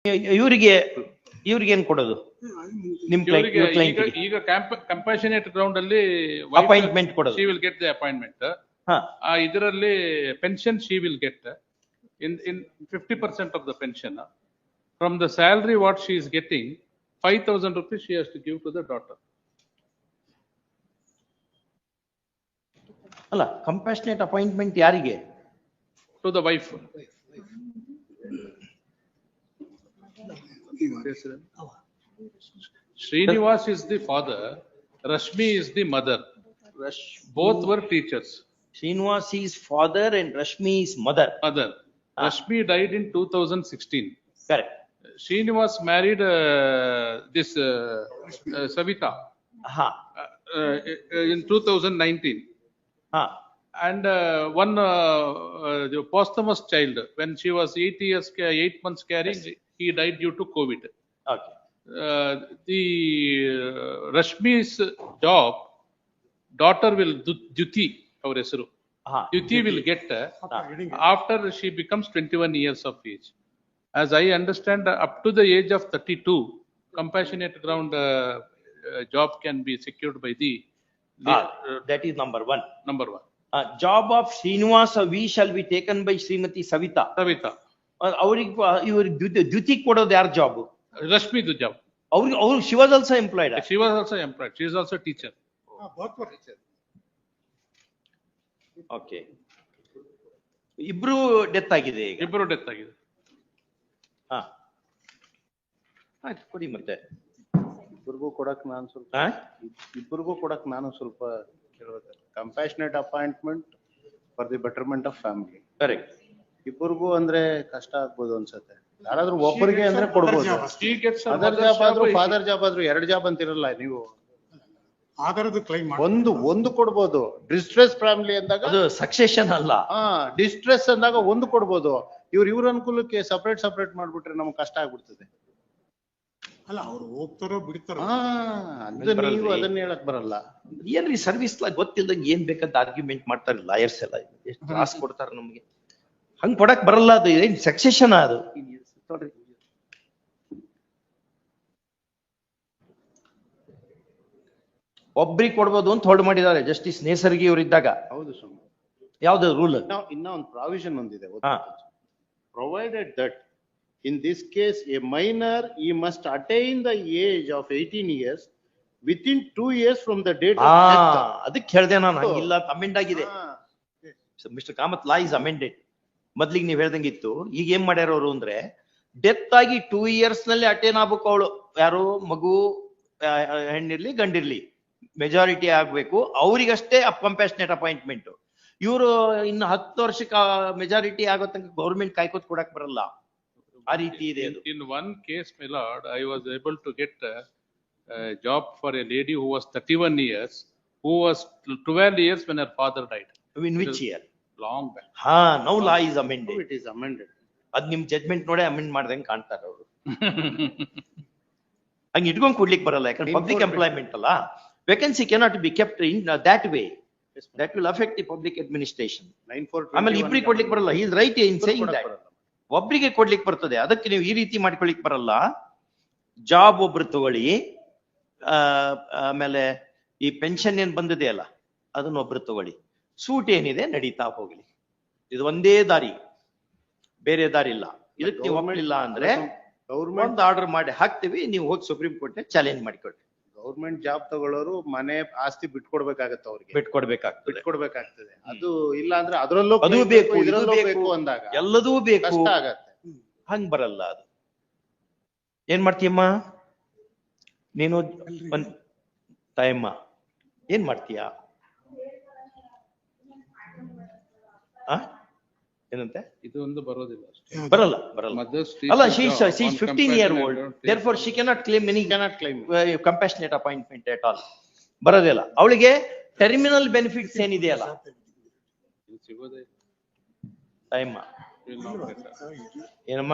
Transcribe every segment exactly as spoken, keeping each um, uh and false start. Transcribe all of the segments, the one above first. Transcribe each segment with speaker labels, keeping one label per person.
Speaker 1: ಇವರಿಗೆ ಇವ್ರಿಗೆ ಏನ್ ಕೊಡೋದು ನಿಮ್ ಕ್ಲೈಂಟ್
Speaker 2: ಈಗ ಕಂಪ್ಯಾಷನೇಟ್ ಗ್ರೌಂಡ್ ಅಲ್ಲಿ
Speaker 1: ಅಪಾಯಿಂಟ್ಮೆಂಟ್ ಕೊಡೋದು
Speaker 2: she will get the appointment ಆ ಇದರಲ್ಲಿ pension she will get in in fifty percent of the pension from the salary what she is getting five thousand rupees she has to give to the daughter.
Speaker 1: ಅಲ್ಲ compassionate appointment ಯಾರಿಗೆ?
Speaker 2: To the wife. Srinivas is the father, Rashmi is the mother. Both were teachers.
Speaker 1: Srinivas is father and Rashmi is mother.
Speaker 2: Mother. Ah. Rashmi died in two thousand sixteen.
Speaker 1: Correct.
Speaker 2: Srinivas married uh, this uh, uh, Savita
Speaker 1: ha.
Speaker 2: uh, uh, in two thousand nineteen.
Speaker 1: Ha.
Speaker 2: And uh, one uh, uh, the posthumous child, when she was eight years, eight months carrying, yes. He died due to COVID.
Speaker 1: Okay.
Speaker 2: Uh, the uh, Rashmi's job, daughter will Duti, our Esru.
Speaker 1: Uh-huh.
Speaker 2: Duti will get uh, after she becomes twenty-one years of age. As I understand, uh, up to the age of thirty-two, compassionate ground uh, uh, job can be secured by the. the
Speaker 1: ah, uh, that is number one.
Speaker 2: Number one.
Speaker 1: Uh, job of Srinivasa we shall be taken by Srimati Savita.
Speaker 2: Savita.
Speaker 1: ಅವ್ರಿಗೆ ಇವ್ರಿಗೆ ದ್ಯುತಿ ಕೊಡೋದು ಯಾರ job?
Speaker 2: Rashmi the job.
Speaker 1: ಅವ್ರಿಗೆ ಅವ್ರು she was also employed.
Speaker 2: She was also employed. She is also teacher.
Speaker 3: Both were teacher.
Speaker 1: Okay. ಇಬ್ರು death ಆಗಿದೆ ಈಗ.
Speaker 2: ಇಬ್ರು ಡೆತ್ ಆಗಿದೆ.
Speaker 1: ಹಾ. ಆಯ್ತು ಕೊಡಿ ಮತ್ತೆ.
Speaker 4: ಇಬ್ಬರಿಗೂ ಕೊಡಕ್ ನಾನು ಸ್ವಲ್ಪ ಇಬ್ಬರಿಗೂ ಕೊಡಕ್ ನಾನು ಸ್ವಲ್ಪ ಕೇಳಬೇಕು. Compassionate appointment for the betterment of family.
Speaker 1: Correct.
Speaker 4: ಇಬ್ಬರಿಗೂ ಅಂದ್ರೆ ಕಷ್ಟ ಆಗ್ಬೋದು ಅನ್ಸುತ್ತೆ. ಯಾರಾದ್ರೂ ಒಬ್ಬರಿಗೆ ಅಂದ್ರೆ ಕೊಡ್ಬೋದು. ಅದರ್ ಜಾಬ್ ಆದ್ರೂ ಫಾದರ್ ಜಾಬ್ ಆದ್ರೂ ಎರಡು ಜಾಬ್ ಅಂತಿರಲ್ಲ ನೀವು.
Speaker 3: ಆಧಾರದ ಕ್ಲೈಮ್
Speaker 4: ಒಂದು ಒಂದು ಕೊಡ್ಬೋದು. ಡಿಸ್ಟ್ರೆಸ್ ಫ್ಯಾಮಿಲಿ ಅಂದಾಗ
Speaker 1: ಅದು ಸಕ್ಸೆಷನ್ ಅಲ್ಲ.
Speaker 4: ಹಾ ಡಿಸ್ಟ್ರೆಸ್ ಅಂದಾಗ ಒಂದು ಕೊಡ್ಬೋದು. ಇವ್ರ ಇವ್ರ ಅನುಕೂಲಕ್ಕೆ ಸಪರೇಟ್ ಸಪರೇಟ್ ಮಾಡ್ಬಿಟ್ರೆ ನಮ್ಗೆ ಕಷ್ಟ ಆಗ್ಬಿಡ್ತದೆ.
Speaker 3: ಅಲ್ಲ ಅವ್ರು ಹೋಗ್ತಾರೋ ಬಿಡ್ತಾರೋ.
Speaker 4: ಹಾ ನೀವು ಅದನ್ನ ಹೇಳಕ್ ಬರಲ್ಲ.
Speaker 1: ಏನ್ರಿ ಸರ್ವಿಸ್ ಗೊತ್ತಿಲ್ಲದಂಗೆ ಏನ್ ಬೇಕಂತ ಆರ್ಗ್ಯುಮೆಂಟ್ ಮಾಡ್ತಾರೆ ಲಾಯರ್ಸ್ ಎಲ್ಲ. ಎಷ್ಟು ತ್ರಾಸ್ ಕೊಡ್ತಾರೆ ನಮ್ಗೆ. ಹಂಗ್ ಕೊಡಕ್ ಬರಲ್ಲ. ಅದು ಏನ್ ಸಕ್ಸೆಷನ್ ಅದು. ಒಬ್ರಿಗೆ ಕೊಡ್ಬೋದು ಅಂತ ಹೊರಡು ಮಾಡಿದ್ದಾರೆ ಜಸ್ಟಿಸ್ ನೇಸರ್ಗಿ ಅವರಿದ್ದಾಗ.
Speaker 4: ಹೌದು ಸ್ವಾಮಿ.
Speaker 1: ಯಾವ್ದು ರೂಲ್?
Speaker 4: ಇನ್ನ ಒಂದು ಪ್ರಾವಿಷನ್ ಒಂದಿದೆ. Provided that in this case a minor he must attain the age of eighteen years within two years from the date of death.
Speaker 1: ಅದಕ್ಕೆ ಹೇಳ್ದೆ ನಾನು ಹಂಗಿಲ್ಲ ಅಮೆಂಡ್ ಆಗಿದೆ. Mister Kamath law is amended. ಮೊದ್ಲಿಗೆ ನೀವ್ ಹೇಳ್ದಂಗಿತ್ತು. ಈಗ ಏನ್ ಮಾಡ್ಯಾರ ಅವರು ಅಂದ್ರೆ ಡೆತ್ ಆಗಿ ಟೂ ಇಯರ್ಸ್ ನಲ್ಲಿ ಅಟೇನ್ ಆಗ್ಬೇಕು ಅವಳು. ಯಾರು ಮಗು ಹೆಣ್ಣಿರ್ಲಿ ಗಂಡಿರ್ಲಿ ಮೆಜಾರಿಟಿ ಆಗ್ಬೇಕು. ಅವ್ರಿಗಷ್ಟೇ ಕಂಪ್ಯಾಷನೇಟ್ ಅಪಾಯಿಂಟ್ಮೆಂಟ್. ಇವರು ಇನ್ನು ಹತ್ತು ವರ್ಷಕ್ಕೆ ಮೆಜಾರಿಟಿ ಆಗೋ ತನಕ ಗೌರ್ಮೆಂಟ್ ಕಾಯ್ಕೋತ್ ಕೊಡಕ್ ಬರಲ್ಲ. ಆ ರೀತಿ ಇದೆ.
Speaker 2: In one case, my lord, I was able to get a, a job for a lady who was thirty-one years, who was twelve years when her father died.
Speaker 1: In which year?
Speaker 2: Long back.
Speaker 1: Ha, now law is amended.
Speaker 4: It is amended.
Speaker 1: ಅದ್ ನಿಮ್ judgment ನೋಡೇ amend ಮಾಡ್ದಂಗೆ ಕಾಣ್ತಾರೆ ಅವರು. ಹಂಗ ಇಟ್ಕೊಂಡ್ ಕೊಡ್ಲಿಕ್ಕೆ ಬರಲ್ಲ. ಯಾಕಂದ್ರೆ ಪಬ್ಲಿಕ್ ಎಂಪ್ಲಾಯ್ಮೆಂಟ್ ಅಲ್ಲ. Vacancy cannot be kept in that way. That will affect the public administration. ಆಮೇಲೆ ಇಬ್ರಿಗೆ ಕೊಡ್ಲಿಕ್ಕೆ ಬರಲ್ಲ. He is right in saying that. ಒಬ್ರಿಗೆ ಕೊಡ್ಲಿಕ್ಕೆ ಬರ್ತದೆ. ಅದಕ್ಕೆ ನೀವು ಈ ರೀತಿ ಮಾಡ್ಕೊಳಿಕ್ ಬರಲ್ಲ. ಜಾಬ್ ಒಬ್ರು ತಗೊಳ್ಳಿ. ಆಮೇಲೆ ಈ ಪೆನ್ಷನ್ ಏನ್ ಬಂದಿದೆ ಅಲ್ಲ ಅದನ್ನ ಒಬ್ರು ತಗೊಳ್ಳಿ. ಸೂಟ್ ಏನಿದೆ ನಡೀತಾ ಹೋಗ್ಲಿ. ಇದು ಒಂದೇ ದಾರಿ, ಬೇರೆ ದಾರಿ ಇಲ್ಲ. ಇದಕ್ಕೆ ನೀವು ಒಮ್ಮಲಿಲ್ಲ ಅಂದ್ರೆ ಗೌರ್ಮೆಂಟ್ ಆರ್ಡರ್ ಮಾಡಿ ಹಾಕ್ತಿವಿ. ನೀವು ಹೋಗಿ ಸುಪ್ರೀಂ ಕೋರ್ಟ್ ಚಾಲೆಂಜ್ ಮಾಡಿಕೊಡ್ರಿ.
Speaker 4: ಗೌರ್ಮೆಂಟ್ ಜಾಬ್ ತಗೊಳ್ಳೋರು ಮನೆ ಆಸ್ತಿ ಬಿಟ್ಕೊಡ್ಬೇಕಾಗತ್ತೆ. ಅವ್ರಿಗೆ
Speaker 1: ಬಿಟ್ಕೊಡ್ಬೇಕಾಗ್ತದೆ
Speaker 4: ಬಿಟ್ಕೊಡ್ಬೇಕಾಗ್ತದೆ. ಅದು ಇಲ್ಲ ಅಂದ್ರೆ ಅದ್ರಲ್ಲೂ
Speaker 1: ಅದು ಬೇಕು
Speaker 4: ಇದ್ರಲ್ಲೂ ಬೇಕು ಅಂದಾಗ
Speaker 1: ಎಲ್ಲದೂ ಬೇಕು.
Speaker 4: ಕಷ್ಟ ಆಗತ್ತೆ.
Speaker 1: ಹಂಗ್ ಬರಲ್ಲ ಅದು. ಏನ್ ಮಾಡ್ತೀಯಮ್ಮ ನೀನು ತಾಯಮ್ಮ? ಏನ್ ಮಾಡ್ತೀಯ? ಏನಂತೆ?
Speaker 2: ಇದು ಒಂದು ಬರೋದಿಲ್ಲ.
Speaker 1: ಬರಲ್ಲ ಬರಲ್ಲ ಅಲ್ಲ. She is fifteen year old. therefore she cannot claim any
Speaker 4: cannot claim
Speaker 1: uh, compassionate appointment at all. ಬರೋದಿಲ್ಲ. ಅವಳಿಗೆ ಟರ್ಮಿನಲ್ ಬೆನಿಫಿಟ್ಸ್ ಏನಿದೆಯಲ್ಲ ತಾಯಮ್ಮ. ಏನಮ್ಮ?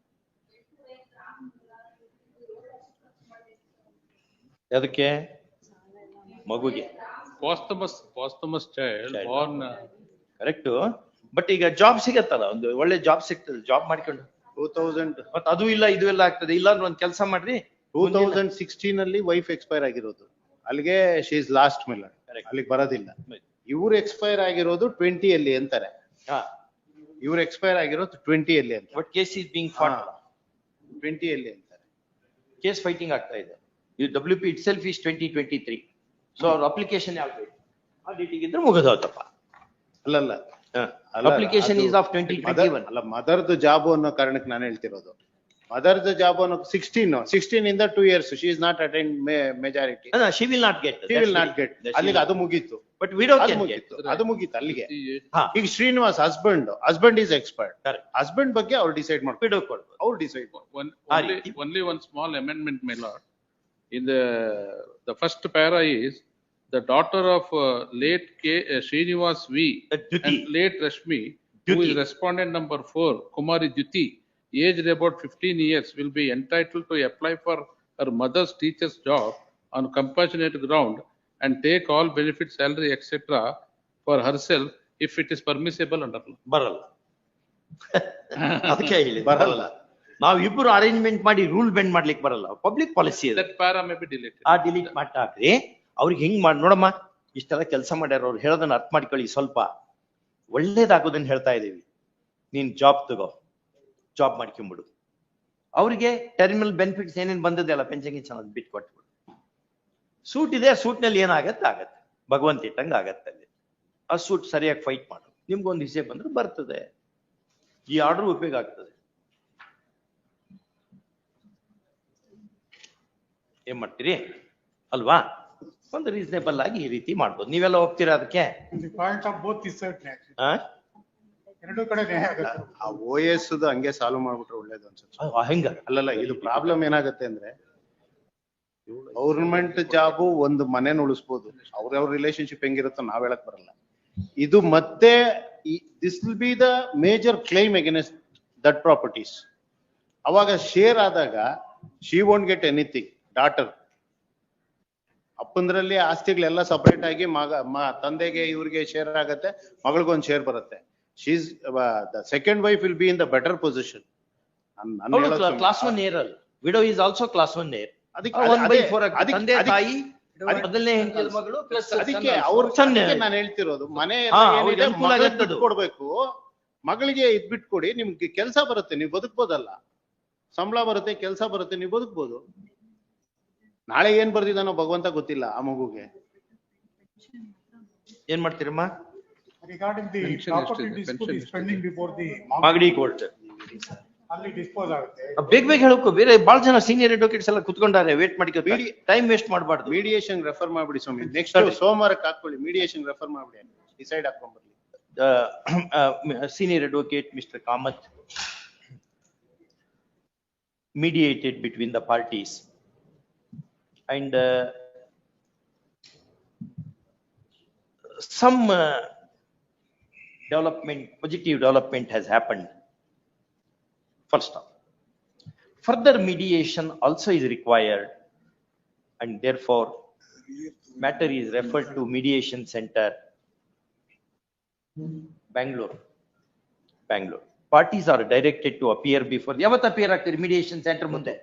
Speaker 1: ಅದಕ್ಕೆ ಮಗುಗೆ
Speaker 2: posthumous posthumous child born
Speaker 1: ಕರೆಕ್ಟ್. ಬಟ್ ಈಗ ಜಾಬ್ ಸಿಗತ್ತಲ್ಲ, ಒಂದು ಒಳ್ಳೆ ಜಾಬ್ ಸಿಗ್ತದೆ. ಜಾಬ್ ಮಾಡ್ಕೊಂಡು
Speaker 4: ಟೂ ತೌಸಂಡ್
Speaker 1: ಮತ್ ಅದು ಇಲ್ಲ ಇದು ಎಲ್ಲ ಆಗ್ತದೆ. ಇಲ್ಲ ಅಂದ್ರೆ ಒಂದ್ ಕೆಲಸ ಮಾಡ್ರಿ,
Speaker 4: ಟೂ ತೌಸಂಡ್ ಸಿಕ್ಸ್ಟೀನ್ ಅಲ್ಲಿ ವೈಫ್ ಎಕ್ಸ್ಪೈರ್ ಆಗಿರೋದು, ಅಲ್ಲಿಗೆ ಶಿ ಇಸ್ ಲಾಸ್ಟ್ ಮಿಲ್, ಅಲ್ಲಿಗೆ ಬರೋದಿಲ್ಲ. ಇವ್ರು ಎಕ್ಸ್ಪೈರ್ ಆಗಿರೋದು ಟ್ವೆಂಟಿ ಅಲ್ಲಿ ಅಂತಾರೆ, ಇವ್ರು ಎಕ್ಸ್ಪೈರ್ ಆಗಿರೋದು ಟ್ವೆಂಟಿ ಅಲ್ಲಿ ಅಂತ.
Speaker 1: But case is being fought,
Speaker 4: twenty ಅಲ್ಲಿ ಅಂತಾರೆ.
Speaker 1: ಕೇಸ್ ಫೈಟಿಂಗ್ ಆಗ್ತಾ ಇದೆ. ಇದು W P itself is twenty twenty three. So ಅವ್ರ ಅಪ್ಲಿಕೇಶನ್ ಯಾವ್ದು ಆ ಡೇಟಿಗೆ ಇದ್ರೆ ಮುಗಿದೋತಪ್ಪ.
Speaker 4: ಅಲ್ಲಲ್ಲ,
Speaker 1: application is of twenty twenty one.
Speaker 4: ಅಲ್ಲ, ಮದರ್ದು ಜಾಬ್ ಅನ್ನೋ ಕಾರಣಕ್ಕೆ ನಾನು ಹೇಳ್ತಿರೋದು. ಮದರ್ದು ಜಾಬ್ ಅನ್ನೋ ಸಿಕ್ಸ್ಟೀನ್ ಸಿಕ್ಸ್ಟೀನ್ ಇಂದ two years she is not attend majority,
Speaker 1: she will not get,
Speaker 4: she will not get. ಅಲ್ಲಿಗೆ ಅದು ಮುಗೀತು.
Speaker 1: ಬಟ್ ವಿಡೋ
Speaker 4: ಅದು
Speaker 1: ಕ್ಯಾನ್
Speaker 4: ಮುಗೀತು,
Speaker 1: ಗೆಟ್.
Speaker 4: ಅದು ಮುಗೀತು ಅಲ್ಲಿಗೆ.
Speaker 1: ಹಾ.
Speaker 4: ಈಗ Srinivas husband husband is expert,
Speaker 1: Correct.
Speaker 4: Husband ಬಗ್ಗೆ ಅವ್ರು ಡಿಸೈಡ್ ಮಾಡ್ಕೊಂಡು
Speaker 1: ವಿಡೋ ಕೊಡ್ಬೋದು.
Speaker 4: ಅವ್ರು decide
Speaker 2: One,
Speaker 1: Ah,
Speaker 2: only,
Speaker 1: it-
Speaker 2: only one small amendment, my lord. In the, the first para is the daughter of uh, late K. uh, Srinivas V.
Speaker 1: Uh, Jyoti.
Speaker 2: and late Rashmi, who
Speaker 1: Jyoti.
Speaker 2: is respondent number four, Kumari Jyoti, aged about fifteen years, will be entitled to apply for her mother's teacher's job on compassionate ground and take all benefits, salary, et cetera for herself if it is permissible under law.
Speaker 1: ಬರಲ್ಲ. ಅದಕ್ಕೆ ಹೇಳಿ
Speaker 4: ಬರಲ್ಲ.
Speaker 1: ನಾವ್ ಇಬ್ರು arrangement ಮಾಡಿ rule bend ಮಾಡ್ಲಿಕ್ಕೆ ಬರಲ್ಲ. Public policy ಇದೆ.
Speaker 2: That para may be deleted.
Speaker 1: ಆ ಡಿಲೀಟ್ ಮಾಡ್ತಾಕ್ರಿ. ಅವ್ರಿಗೆ ಹಿಂಗ್ ಮಾಡಿ ನೋಡಮ್ಮ, ಇಷ್ಟೆಲ್ಲ ಕೆಲಸ ಮಾಡ್ಯಾರ, ಅವ್ರು ಹೇಳೋದನ್ನ ಅರ್ಥ ಮಾಡ್ಕೊಳ್ಳಿ. ಸ್ವಲ್ಪ ಒಳ್ಳೇದಾಗೋದನ್ನ ಹೇಳ್ತಾ ಇದೀವಿ. ನೀನ್ ಜಾಬ್ ತಗೋ, ಜಾಬ್ ಮಾಡ್ಕೊಂಬಿಡು. ಅವ್ರಿಗೆ ಟರ್ಮಿನಲ್ ಬೆನಿಫಿಟ್ಸ್ ಏನೇನ್ ಬಂದದೆಲ್ಲ ಪೆನ್ಷನ್ ಗಿನ್ಷನ್ ಅದ್ ಬಿಟ್ಟು ಕೊಟ್ಬಿಡು. ಸೂಟ್ ಇದೆ, ಸೂಟ್ ನಲ್ಲಿ ಏನಾಗತ್ತೆ ಆಗತ್ತೆ, ಭಗವಂತ ಇಟ್ಟಂಗ ಆಗತ್ತೆ. ಅಲ್ಲಿ ಆ ಸೂಟ್ ಸರಿಯಾಗಿ ಫೈಟ್ ಮಾಡು, ನಿಮ್ಗೊಂದು ಹಿಸೆ ಬಂದ್ರೆ ಬರ್ತದೆ. ಈ ಆರ್ಡರ್ ಉಪಯೋಗ ಆಗ್ತದೆ. ಏನ್ ಮಾಡ್ತೀರಿ ಅಲ್ವಾ? ಒಂದು ರೀಸನೇಬಲ್ ಆಗಿ ಈ ರೀತಿ ಮಾಡ್ಬೋದು. ನೀವೆಲ್ಲ ಹೋಗ್ತೀರಾ ಅದಕ್ಕೆ?
Speaker 3: ಪಾಯಿಂಟ್ ಆಫ್ ಬೋತ್ ಇಸ್
Speaker 1: ಆ?
Speaker 3: ಎರಡು ಕಡೆ ನ್ಯಾಯ ಆಗುತ್ತೆ.
Speaker 4: ಆ ಓ ಎಸ್ ಹಂಗೆ ಸಾಲ್ವ್ ಮಾಡ್ಬಿಟ್ರೆ ಒಳ್ಳೇದು ಅನ್ಸುತ್ತೆ.
Speaker 1: ಆ, ಹೆಂಗ?
Speaker 4: ಅಲ್ಲಲ್ಲ, ಇದು ಪ್ರಾಬ್ಲಮ್ ಏನಾಗುತ್ತೆ ಅಂದ್ರೆ ಗೌರ್ಮೆಂಟ್ ಜಾಬು ಒಂದು ಮನೇನ ಉಳಿಸ್ಬೋದು, ಅವ್ರವ್ರ ರಿಲೇಶನ್ಶಿಪ್ ಹೆಂಗಿರುತ್ತೋ ನಾವ್ ಹೇಳಕ್ ಬರಲ್ಲ. ಇದು ಮತ್ತೆ this will be the major claim against that properties. ಅವಾಗ ಶೇರ್ ಆದಾಗ she won't get anything. Daughter ಅಪ್ಪಂದ್ರಲ್ಲಿ ಆಸ್ತಿಗಳೆಲ್ಲ ಸಪರೇಟ್ ಆಗಿ ಮಗ ಮ- ತಂದೆಗೆ ಇವ್ರಿಗೆ ಶೇರ್ ಆಗತ್ತೆ, ಮಗಳಿಗೊಂದು ಶೇರ್ ಬರುತ್ತೆ. She's the second wife will be in the better position.
Speaker 1: Class one heir ಅಲ್ಲ, widow is also class one heir.
Speaker 4: ಅದಕ್ಕೆ
Speaker 1: ಒನ್ ಬೈ
Speaker 4: ಅದೇ-
Speaker 1: ಫೋರ್
Speaker 4: ಅದಕ್ಕೆ-
Speaker 1: ತಂದೆ
Speaker 4: ಅದಕ್ಕೆ-
Speaker 1: ತಾಯಿ
Speaker 4: ಅದಕ್ಕೆ-
Speaker 1: ಮೊದಲನೇ ಹೆಂಡತಿ ಮಗಳು ಪ್ಲಸ್
Speaker 4: ಅದಕ್ಕೆ ಅವ್ರ ನಾನು ಹೇಳ್ತಿರೋದು, ಮನೆ
Speaker 1: ಹಾ, ಅವ್ರಿಗೆ ಅನುಕೂಲ ಆಗತ್ತೆ ಅದು.
Speaker 4: ಕೊಡ್ಬೇಕು, ಮಗಳಿಗೆ ಇದ್ ಬಿಟ್ಕೊಡಿ, ನಿಮ್ಗೆ ಕೆಲಸ ಬರುತ್ತೆ, ನೀವು ಬದುಕ್ಬೋದಲ್ಲ. ಸಂಬಳ ಬರುತ್ತೆ, ಕೆಲಸ ಬರುತ್ತೆ, ನೀವು ಬದುಕ್ಬೋದು. ನಾಳೆ ಏನ್ ಬರ್ದಿದಾನೋ ಭಗವಂತ ಗೊತ್ತಿಲ್ಲ ಆ ಮಗುಗೆ.
Speaker 1: ಏನ್ ಮಾಡ್ತೀರಮ್ಮ?
Speaker 3: ರಿಗಾರ್ಡಿಂಗ್ ದಿ
Speaker 2: Pension
Speaker 3: ಪ್ರಾಪರ್ಟಿ
Speaker 2: ಎಷ್ಟಿದೆ?
Speaker 3: Dispute
Speaker 2: Pension
Speaker 3: is pending before the
Speaker 1: Magadi court.
Speaker 3: ಅಲ್ಲಿ ಡಿಸ್ಪೋಸ್ ಆಗುತ್ತೆ.
Speaker 1: ಬೇಗ ಬೇಗ ಹೇಳಕ್ಕೂ, ಬೇರೆ ಬಹಳ ಜನ ಸೀನಿಯರ್ ಅಡ್ವೊಕೇಟ್ಸ್ ಎಲ್ಲ ಕುತ್ಕೊಂಡಾರೆ, ವೇಟ್ ಮಾಡಿ.
Speaker 4: ಬಿಡಿ.
Speaker 1: ಟೈಮ್ ವೇಸ್ಟ್ ಮಾಡಬಾರ್ದು.
Speaker 4: ಮೀಡಿಯೇಷನ್ ರೆಫರ್ ಮಾಡ್ಬಿಡಿ ಸ್ವಾಮಿ. ನೆಕ್ಸ್ಟ್
Speaker 1: ಸರಿ.
Speaker 4: ಸೋಮವಾರಕ್ಕೆ ಹಾಕೊಳ್ಳಿ, ಮೀಡಿಯೇಷನ್ ರೆಫರ್ ಮಾಡ್ಬಿಡಿ, ಡಿಸೈಡ್ ಹಾಕೊಂಡ್ಬರ್ಲಿ.
Speaker 1: Senior advocate Mister Kamath mediated between the parties, and uh, some uh, development, positive development has happened. First off, further mediation also is required, and therefore matter is referred to mediation center, Bangalore. Bangalore. Parties are directed to appear before. ಯಾವತ್ತು appear ಆಗ್ತೀರಿ mediation center ಮುಂದೆ?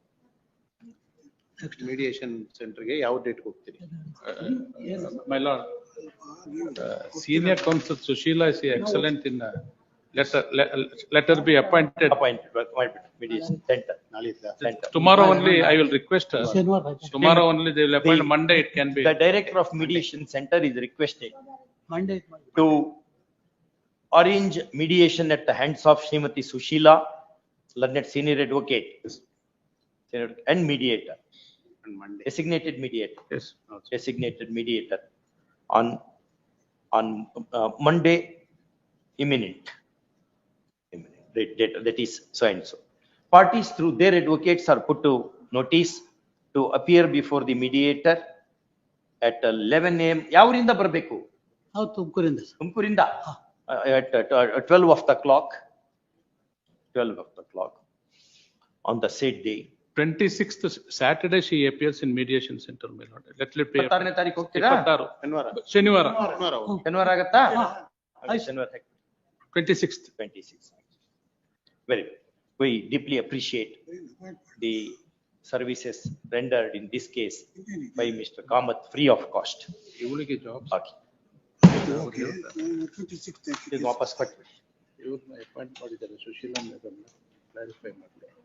Speaker 4: Mediation ಸೆಂಟರ್ಗೆ ಯಾವ date ಹೋಗ್ತೀರಿ?
Speaker 2: My lord, uh, senior counsel Sushila is excellent in uh, let her, let, let her be appointed.
Speaker 1: Appointed, appointed mediation center.
Speaker 4: ನಾಳಿದ್ದ
Speaker 1: Center.
Speaker 2: Tomorrow only I will request her. Tomorrow only they will appoint,
Speaker 1: The-
Speaker 2: Monday it can be.
Speaker 1: The director of mediation center is requested
Speaker 5: Monday.
Speaker 1: to arrange mediation at the hands of Srimati Sushila, learned senior advocate, and mediator,
Speaker 4: Monday.
Speaker 1: designated mediator.
Speaker 2: Yes.
Speaker 1: Designated mediator on, on uh, Monday imminent. Imminent, date- date, that is so and so. Parties through their advocates are put to notice to appear before the mediator at eleven A M. ಯಾವರಿಂದ ಬರಬೇಕು?
Speaker 5: ಹೌದು, ತುಮಕೂರಿಂದ sir.
Speaker 1: ತುಮಕೂರಿಂದ at uh, twelve of the clock, twelve of the clock on the said day.
Speaker 2: Twenty-sixth Saturday she appears in mediation center, my lord. Let it be.
Speaker 1: ಇಪ್ಪತ್ತಾರನೇ ತಾರೀಕು ಹೋಗ್ತೀರಾ?
Speaker 2: ಇಪ್ಪತ್ತಾರು.
Speaker 4: ಶನಿವಾರ
Speaker 2: ಶನಿವಾರ.
Speaker 4: ಶನಿವಾರ ಹೋಗಿ.
Speaker 1: ಶನಿವಾರ ಆಗತ್ತಾ?
Speaker 5: ಆಯ್ತು.
Speaker 1: ಶನಿವಾರ
Speaker 2: Twenty-sixth.
Speaker 1: twenty-six. Very good. We deeply appreciate the services rendered in this case by Mister Kamath free of cost.
Speaker 2: ಇವಳಿಗೆ ಜಾಬ್
Speaker 1: Okay. ಇದು ವಾಪಸ್ ಕೊಟ್ಬಿಡಿ.
Speaker 2: ಇವ್ರನ್ನ ಅಪಾಯಿಂಟ್ ಮಾಡಿದ್ದಾರೆ ಸುಶೀಲಾ ಮೇಡಮ್ ಕ್ಲಾರಿಫೈ ಮಾಡಲಿ.